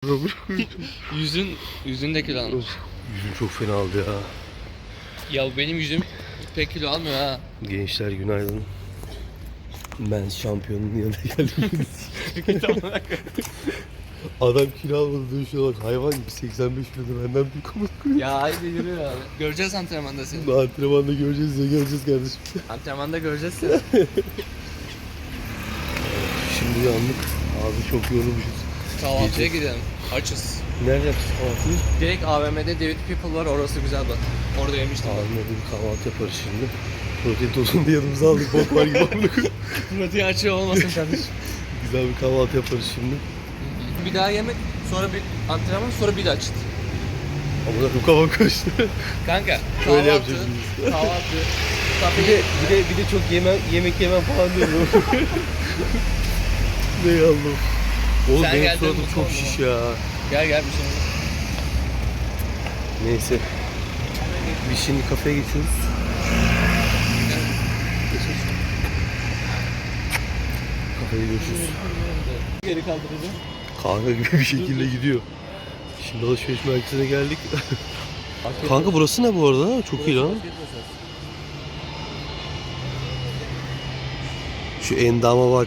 Yüzün de kilo almış. Yüzüm çok fena aldı ya. Ya benim yüzüm pek kilo almıyor ha. Gençler günaydın. Ben şampiyonun yanına geldim. Adam kilo almadı diyor, şuna bak, hayvan gibi 85 kiloda benden büyük ama. Ya haydi yürü ya. Göreceğiz antrenmanda seni. Antrenmanda göreceğiz ya, göreceğiz kardeşim. Antrenmanda göreceğiz seni. Şimdi uyandık. Abi çok yorulmuşuz. Kahvaltıya gidelim. Açız. Nerede yapacağız kahvaltıyı? Direkt AVM'de David People var, orası güzel bak. Orada yemiştim. Abimle bir kahvaltı yaparız şimdi. Protein tozunu da yanımıza aldık. Bok var gibi amına koyayım. Protein açığı olmasın kardeşim. Güzel bir kahvaltı yaparız şimdi. Bir daha yemek, sonra bir antrenman, sonra bir daha açız. Amına koyayım, kafam karıştı. Kanka Öyle kahvaltı, yapacağız biz. kahvaltı, Bir kafeye de çok yemek yemem falan diyorum. Ne Allah'ım. Oğlum Sen benim geldin, suratım mutlu çok oldum. şiş ya. Gel bir şey olmaz. Neyse. Biz şimdi kafeye geçiyoruz. Kafede görüşürüz. Geri kaldıracağım. Kanka gibi bir şekilde gidiyor. Şimdi alışveriş merkezine geldik. Kanka burası ne bu arada? Çok iyi lan. Şu endama bak.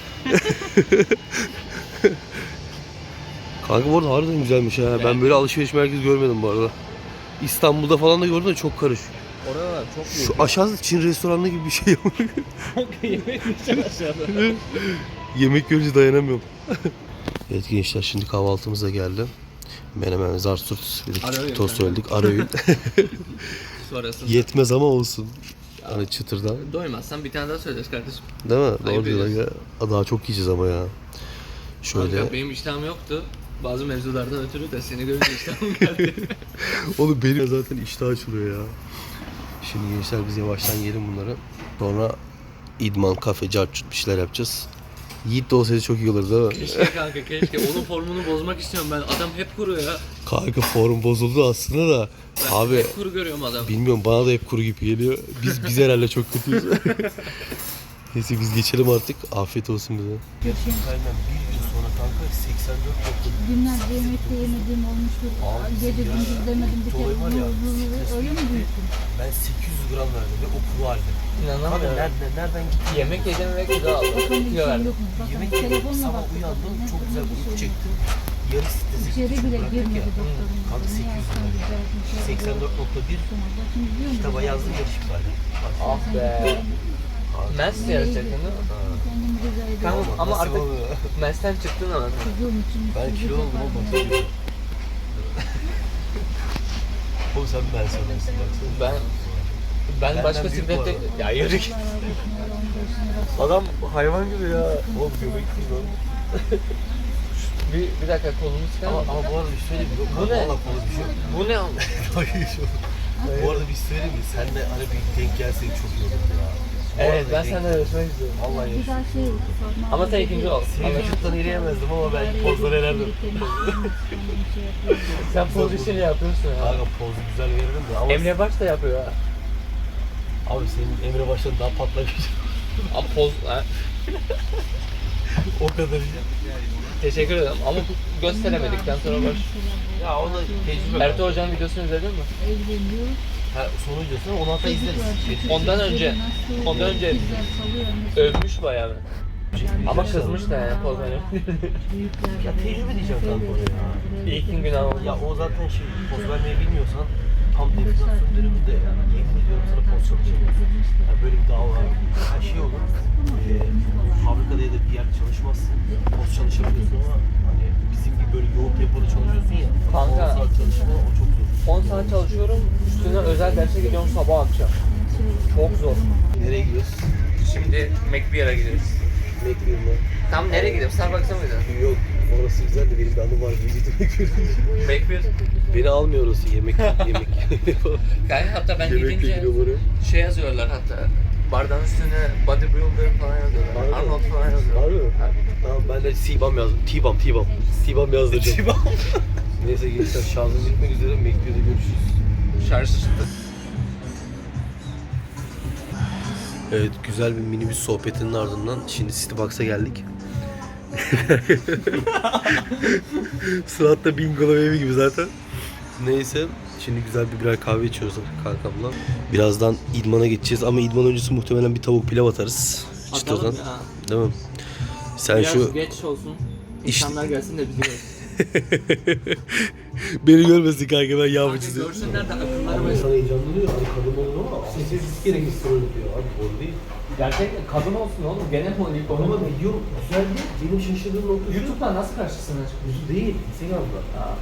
Kanka bu arada harbiden güzelmiş ha. Ben böyle alışveriş merkezi görmedim bu arada. İstanbul'da falan da gördüm de çok karışık. Oralar çok büyük. Şu aşağıda Çin restoranı gibi bir şey. Yemek yiyeceğim aşağıda. Yemek görünce dayanamıyorum. Evet gençler, şimdi kahvaltımız da geldi. Menemen, zarsurt, bir de küçük tost söyledik. Ara öğün. Sonrasında. Yetmez ama olsun. Hani çıtırdan. Doymazsan bir tane daha söyleriz kardeşim. Değil mi? Ayıp Doğru diyorlar ya. Daha çok yiyeceğiz ama ya. Şöyle. Kanka benim iştahım yoktu. Bazı mevzulardan ötürü de seni görünce iştahım geldi. Oğlum benim zaten iştah açılıyor ya. Şimdi gençler biz yavaştan yiyelim bunları. Sonra idman, kafe, carçut bir şeyler yapacağız. Yiğit de olsaydı çok iyi olurdu değil mi? Keşke kanka keşke. Onun formunu bozmak istiyorum ben. Adam hep kuru ya. Kanka form bozuldu aslında da. Ben Abi hep kuru görüyorum adam. bilmiyorum, bana da hep kuru gibi geliyor. Biz herhalde çok kötüyüz. Neyse biz geçelim artık. Afiyet olsun bize. Aynen bir yıl sonra kanka 84 Günlerce yemekte yemediğim olmuştur. Gece gündüz demedim bir kere. Dolayı var ya, Öyle mi büyüttün? Ben 800 gram verdim ve o kuru halde. İnanamıyorum. Nereden gitti? Yemek yedim ve kilo aldım. Bakalım bir Kilo şey verdim. yok mu? Bakalım Yemek yedim, telefonla sabah baktık. uyandım, Ne çok güzel bir uyku şey yok. çektim. Yarı stresi İçeri bile girmedi doktorun. Kanka 84.1 kitaba yazdım, yarışım var. Ah be. Mens yarışacaktın değil mi? Kendimi güzel ediyorum. Kanka ama Nasıl artık oluyor? Mens'ten çıktın ama. Çocuğum için. Ben kilo oldum ama bakıyorum. Oğlum sen ben söylersin baksana. Ben başka büyük bu siklette... arada. Ya yürü git. Adam hayvan gibi ya. Oğlum göbek değil oğlum. Bir dakika kolumu çıkar Ama, mı? ama bu arada bir söyleyeyim mi? Bu ne? Valla kolu bir şey yok. Bu ne? Hayır şu. Bu arada bir söyleyeyim mi? Senle hani bir denk gelseydik çok iyi olurdu ya. Bu Evet arada ben denk- senden yarışmak istiyorum. Vallahi Bir daha şey sorma. Ama sen ikinci ol. Seni vücuttan eleyemezdim ama ben pozları elerdim. Sen poz işini yapıyorsun ya. Kanka pozu güzel veririm de ama Emre Baş da yapıyor ha. abi senin Emre baştan daha patlamış. Ama poz... Ha, O kadar iyi. teşekkür ederim ama gösteremedikten sonra baş. Ya ona tecrübe. Ertuğ Hoca'nın videosunu izledin mi? Evleniyor. Ha, sonu videosunu onu hatta izleriz. Ondan önce övmüş bayağı. Ama kızmış da yani poz hani. Ya tecrübe diyeceğim kanka oraya ya. İlk gün ama. Ya o zaten şey, poz vermeyi bilmiyorsan tam definasyon döneminde yani yemin ediyorum sana poz çalışamıyorsun. Yani böyle bir dava var. Her şey olur. Fabrikada ya da bir yerde çalışmazsın. Poz çalışabiliyorsun ama hani bizim gibi böyle yoğun tempoda çalışıyorsun ya. Kanka. 10 saat çalışma o çok zor. 10 saat çalışıyorum, üstüne özel derse gidiyorum sabah akşam. Çok zor. Nereye gidiyoruz? Şimdi McBeer'a gidiyoruz. Bekliyorum Tam nereye gidiyoruz? Starbucks'a mı gidiyoruz? ben. Yok. Orası güzel de benim bir anım var. Vücudu bekliyorum. McBeer. Beni almıyor orası. Yemek. Kanka hatta ben Yemekle gidince gidiyorum oraya. şey yazıyorlar hatta. Bardağın üstüne bodybuilder falan yazıyorlar. Harbi mi? Arnold falan yazıyorlar. Harbi mi? Tamam ben de T-Bam yazdım. T-Bam yazdıracağım. T-Bam. Neyse gençler şarjım bitmek üzere. McBeer'de görüşürüz. Şarjı çıktı. Evet, güzel bir minibüs sohbetinin ardından şimdi Citybox'a geldik. Suat da bingolo evi gibi zaten. Neyse. Şimdi güzel bir birer kahve içiyoruz kankamla. Birazdan idmana geçeceğiz ama idman öncesi muhtemelen bir tavuk pilav atarız. İşte Atalım oradan. ya. Değil mi? Sen Biraz şu geç olsun. İnsanlar gelsin de bizi görsün. beni görmesin kanka ben yağmur Kanka çiziyorum. görsünler de akılları böyle. İnsan heyecanlanıyor. Hani kadın olur ama sessiz kere gitsin diyor. Abi doğru değil. Gerçekten kadın olsun oğlum. Gene politik Ama onu. video güzel değil. Benim şaşırdığım nokta şu. YouTube'dan nasıl karşısına çıkmış? Değil. Instagram'da.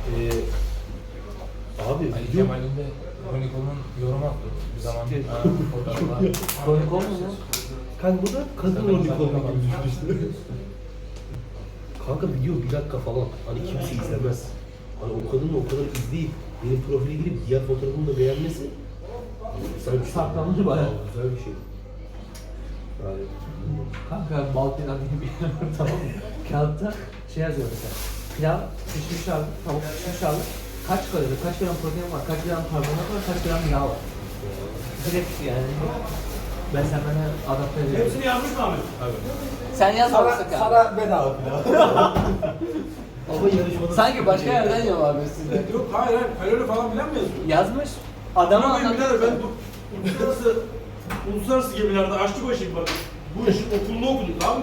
Abi Ali video Kemal'in de Kroniko'nun yorum attı bir zaman. Fotoğraflar. Kronik olmuyor mu? kanka bu da kadın rolü olmak gibi düşmüştü. Kanka video 1 dakika falan. Hani kimse izlemez. Hani o kadının o kadar izleyip benim profile girip diğer fotoğrafımı da beğenmesi güzel bir şey. Saklanır bayağı. Güzel bir şey. Yani Kanka Balkan diye bir yer var, tamam mı? Kağıtta şey yazıyor mesela. Pilav pişmiş aldık, tavuk pişmiş aldık. Kaç kalori, kaç gram protein var, kaç gram karbonhidrat var, kaç gram yağ var. Direkt yani. Ben sen bana adapte ediyorum. Hepsini yazmış mı abi? Sen yazmamışsın kanka. Sana bedava pilav. ama yarışmada Sanki başka yerden yiyor abi size. Yok hayır hayır kalori falan filan mı yazıyor? Yazmış. Adama Ama benim birader anlatıyor. ben uluslararası gemilerde aşçı başıyım bak. Bu işin okulunu okudum tamam mı?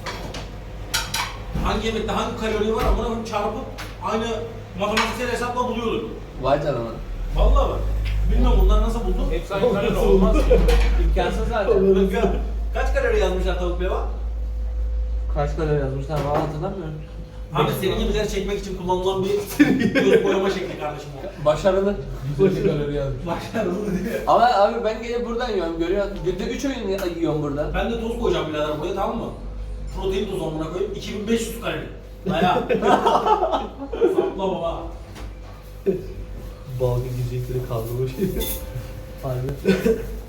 Hangi yemekte hangi kalori var ama onu çarpıp aynı matematiksel hesapla buluyordum. Vay canına. Vallahi bak. Bilmiyorum bunlar nasıl buldun? Hepsi aynı kalori olmaz ki. İmkansız zaten. Kaç kalori yazmışlar tavuk pilava? Kaç kalori yazmışlar valla hatırlamıyorum. Abi senin gibileri çekmek için kullanılan bir göz boyama şekli kardeşim o. Başarılı. 150 kalori yazmış. Başarılı diye. Ama abi ben gelip buradan yiyorum görüyorsun. Günde 3 öğün yiyorum burada. Ben de toz koyacağım birader buraya tamam mı? Protein tozu amına koyayım 2500 kalori. Daya. Sapla baba. balga girecekleri kaldırmış. Harbi.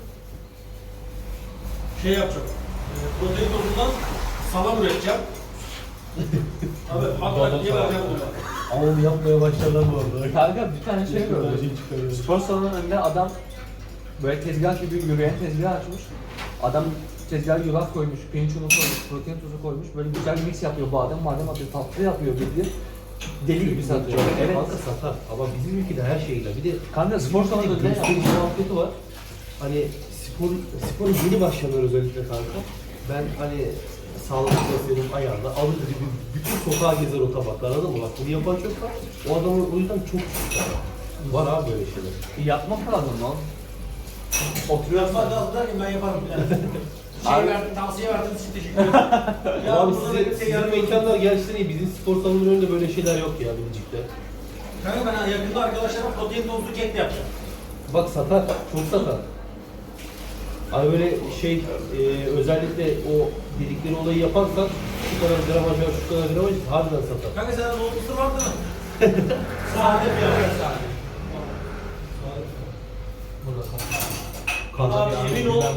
Şey yapacağım. Protein tozundan salam üreteceğim. Abi hatta diye vereceğim bunu. Ama onu yapmaya başlarlar bu arada. Kanka bir tane şey gördüm. Şey çıkarıyor. Spor salonunun önünde adam böyle tezgah gibi yürüyen tezgah açmış. Adam tezgah yulaf koymuş, pirinç unu koymuş, protein tozu koymuş. Böyle güzel bir mix yapıyor badem atıyor, tatlı yapıyor bildiğin. Deli gibi satıyor. Evet. Kanka satar. Ama bizim ülkede her şeyle. Bir de Kanka spor salonunun önünde gösteri yapmış. muhabbeti var. Hani spora yeni başlayanlar özellikle kanka. Ben hani sağlıklı beslenim ayarla alır gibi bütün sokağa gezer o tabaklar anladın mı? Bak bunu yapan çok var. O adamın o yüzden çok küçük. Var abi böyle şeyler. Yapmak lazım lan. Oturuyorum ben de derken ben yaparım birader. Şey Abi- verdim, tavsiye verdim için teşekkür ederim. Ya Abi burada da bir sizin yardım mekanlar gerçekten iyi. Bizim spor salonunun önünde böyle şeyler yok ya Bilecik'te. Kanka ben yakında arkadaşlarıma protein tozlu kek de yapacağım. Bak satar, çok satar. Hani böyle şey, özellikle o dedikleri olayı yaparsan şu kadar gramaj var, şu kadar gramaj harbiden satar. Kanka sende nohutlusu var değil mi? Sade bir yer. Burada Abi emin ol.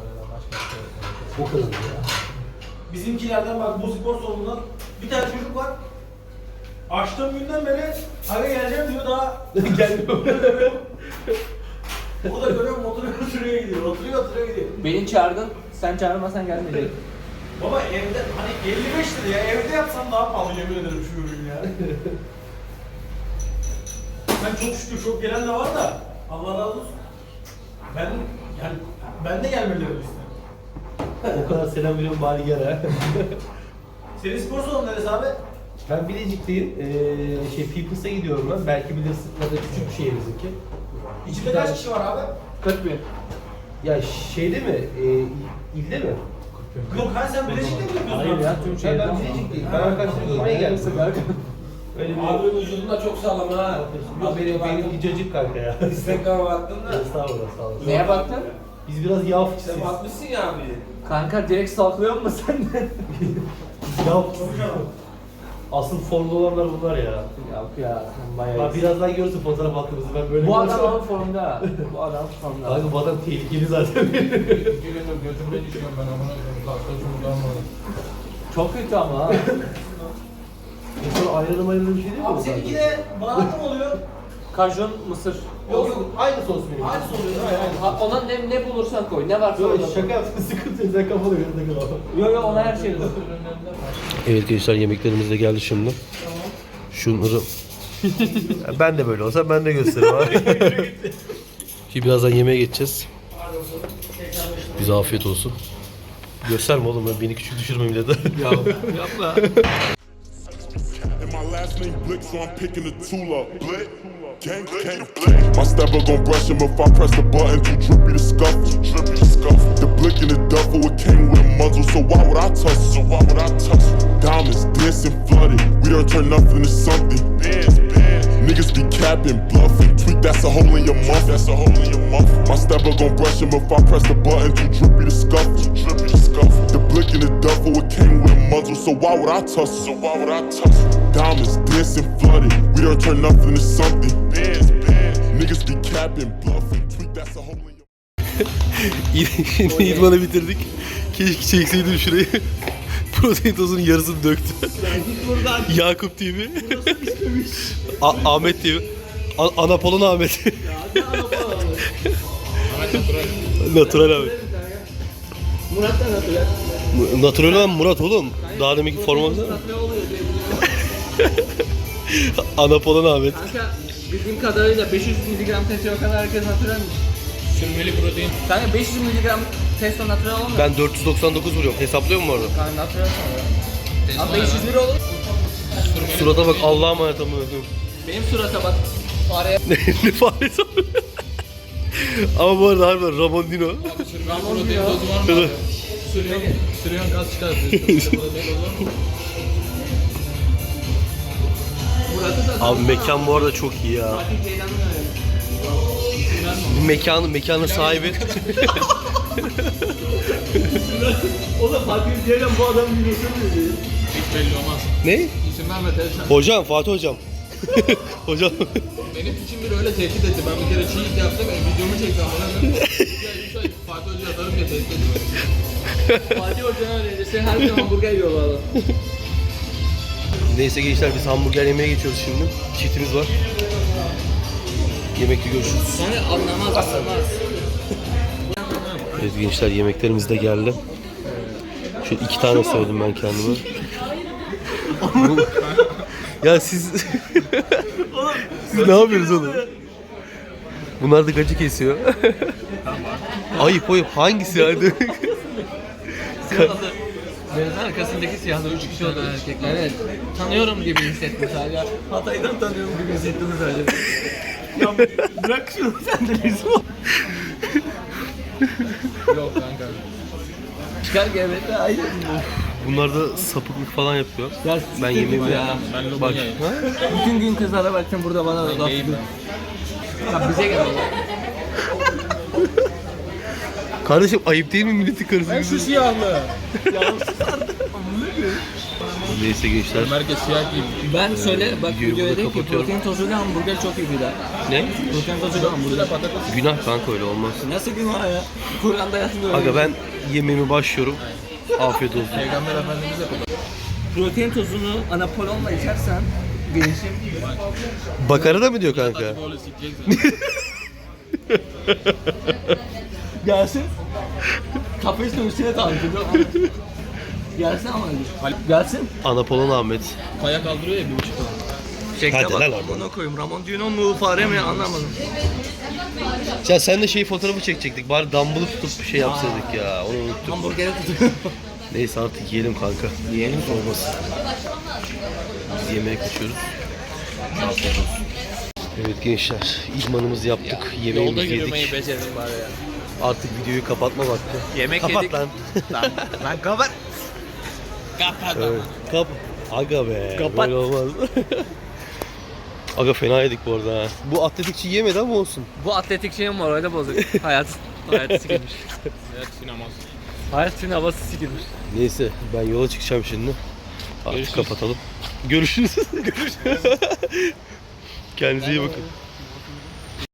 O kadar ya. Bizimkilerden bak bu spor salonundan bir tane çocuk var. Açtığım günden beri eve geleceğim diyor daha Gelmiyor. o da görüyorum oturuyor gidiyor. Oturuyor gidiyor. Beni çağırdın, sen çağırmasan gelmeyecek. Baba evde hani 55 lira ya evde yapsam daha pahalı yemin ederim şu ürün ya. Ben çok şükür çok gelen de var da Allah razı olsun. Ben de gelmelerini isterim. O kadar selam veriyorum bari gel ha. Senin spor salonu neresi abi? Ben Bilecik'teyim. Peoples'a gidiyorum ben. Belki bilirsin ya da küçük bir şehir bizimki. İçinde kaç kişi var abi? 40 bin. Ya şeyde mi? İlde mi? Yok ha sen Bilecik'te mi yapıyorsun? Hayır abi? ya tüm şehirden. Ben Bilecik'teyim. Ben arkadaşlarımı görmeye geldim. Öyle bir... Abi vücudun da çok sağlam ha. Yok benim cacık kanka ya. Instagram'a baktın da. Estağfurullah sağ olasın. Neye baktın? Biz biraz yağ fıçısıyız. Sen bakmışsın ya abi. Kanka direkt stalklıyor musun sen de? Yağ fıçısıyız. Asıl formda olanlar bunlar ya. Yok ya, sen bayağı Bak iyisin. birazdan görürsün fotoğraf attığımızı ben böyle Bu görürsem- adam ama formda. Bu adam formda. Kanka bu adam tehlikeli zaten. 2 gündür götümde düşüyorum ben amına koyayım. Kalkta şuradan Çok kötü ama ha. Sonra ayrılım bir şey değil mi? Abi seninki de baharatlı mı oluyor? Kajun, mısır. Yok aynı sos benim. Aynı sos oluyor, aynen. Ha, ona ne bulursan koy. Ne varsa Yok orada koy. şaka yaptın sıkıntı yok sen kafanı göre takıl. Yo yo ona her şey koy. önünde. Evet gençler, yemeklerimiz de geldi şimdi. Şunları... Ben de böyle olsa ben de gösteririm abi. Şimdi birazdan yemeğe geçeceğiz. Bize afiyet olsun. Gösterme oğlum, beni küçük düşürme millete. Yapma. And my last name Blick, so I'm picking the tool up. Blick, gang, gang. My stepper gon' brush him if I press the button. Too drippy to scuff, drippy to scuff. The blick in the duffel, it came with a muzzle, so why would I touch it? So why would I touch it? Diamonds dancing flooded, we done turn nothing to something. Niggas be capping, bluffing. Tweak, that's a hole in your muff. That's a hole in your muff. My stepper gon' brush him if I press the button. Too drippy to scuff, drippy to scuff. The blick in the duffel, it came with a muzzle, so why would I touch it? So why would I touch it? Diamonds dancing flooded, we done turn nothing to something. Niggas be capping, bluffing. Tweak, that's a hole in your Şimdi idmanı bitirdik. Keşke çekseydim şurayı. Protein tozunun yarısını döktü. Yakup TV. Ahmet TV. Anapolon Ahmet. Natural abi. Murat da natural. Natural olan Murat oğlum. Daha demek ki formamızda. Anapolon Ahmet. Kanka bildiğim kadarıyla 500 mg testo kadar herkes naturalmiş. Sürmeli protein. Kanka 500 mg testo natural olmuyor. Ben 499 vuruyorum. Hesaplıyor mu orada? Kanka natural sanırım. Abi 501 olur. Surata bak, Allah'a emanet amına koyayım. Benim surata bak. Araya Ne faresi abi? Ama bu arada harbiden Ramon Dino. Sürmeli protein tozu var mı abi? Sürüyorsun kas çıkartıyorsun. Murat'ı da Abi mekan bu arada çok iyi ya. Mekanın sahibi. O da Fatih Ceylan bu adamın videosunu izliyor. Hiç belli olmaz. Ne? İsim verme teyze. Hocam, Fatih hocam. Hocam. Benim için biri öyle tehdit etti. Ben bir kere çiğ yaptım. Videomu çektim. Fatih Hoca'ya atarım diye tehdit etti. Fatih Hoca'nın öncesi her gün hamburger yiyor bu adam. Neyse gençler, biz hamburger yemeye geçiyoruz şimdi. Çiftimiz var. Yemekte görüşürüz. Sonra anlamaz. Evet gençler, yemeklerimiz de geldi. Şöyle 2 tane söyledim ben kendime. Ya siz ne yapıyorsunuz oğlum? Bunlar da gacı kesiyor. ayıp hangisi yani? Denizin arkasındaki siyahlı 3 kişi oldu erkekler. Evet. Tanıyorum gibi hissettim sadece. Hatay'dan tanıyorum gibi hissettim sadece. Ya bırak şunu, sen de rezil ol. Yok kanka. Çıkar gevrekte ayrı. Bunlar da sapıklık falan yapıyor. Ya Ben yemeğimi ya. Ben Bak. Lobonya'yım. Bütün gün kızlara baktım, burada bana da laf Neyim ediyor. ben? Ya bize gel. Kardeşim ayıp değil mi milletin karısı? Şu siyahlı. Neyse gençler. Herkes siyah giyim. Ben söyle bak, Videoyu videoya burada dedim ki kapatıyorum. protein tozuyla hamburger çok iyi bir daha. Ne? Protein tozuyla hamburger. Günah kanka, öyle olmaz. Nasıl günah ya? Kur'an'da yazmıyor. Aga ben yemeğime başlıyorum. Afiyet olsun. Peygamber Efendimiz yapıyor. Protein tozunu anapolonla içersen gelişim. Bakara da mı diyor kanka? Böyle sikeceksin. Gelsin. Kafesle üstüne tankıdı. Gelsin ama. Gelsin. Anapolon Ahmet. Kaya kaldırıyor ya 1,5 ton. Çekte Hadi bak. lan oradan. Ona koyayım. Ramon Dino mu fare mi anlamadım. Ya sen de şey fotoğrafı çekecektik. Bari dumbbell'ı tutup şey yapsaydık ya. Onu unuttum. Hamburgeri tutuyor. Neyse artık yiyelim kanka. Yiyelim olmasın. Biz yemeğe kaçıyoruz. Afiyet olsun. Evet gençler, idmanımızı yaptık. Yemeğimizi yedik. Becerim bari ya. Artık videoyu kapatma vakti. Yemek Kapat yedik. lan. Lan kapat. Kapat. Evet. Aga be. Kapat. Böyle olmaz. Aga fena yedik bu arada ha. Bu atletikçi yemedi ama olsun. Bu atletik şeyin morali bozuk. Hayatı sikilmiş. Evet sinemaz. Hayat sineması sikilmiş. Neyse ben yola çıkacağım şimdi. Artık Görüşürüz. kapatalım. Görüşürüz. Görüşürüz. Kendinize iyi bakın.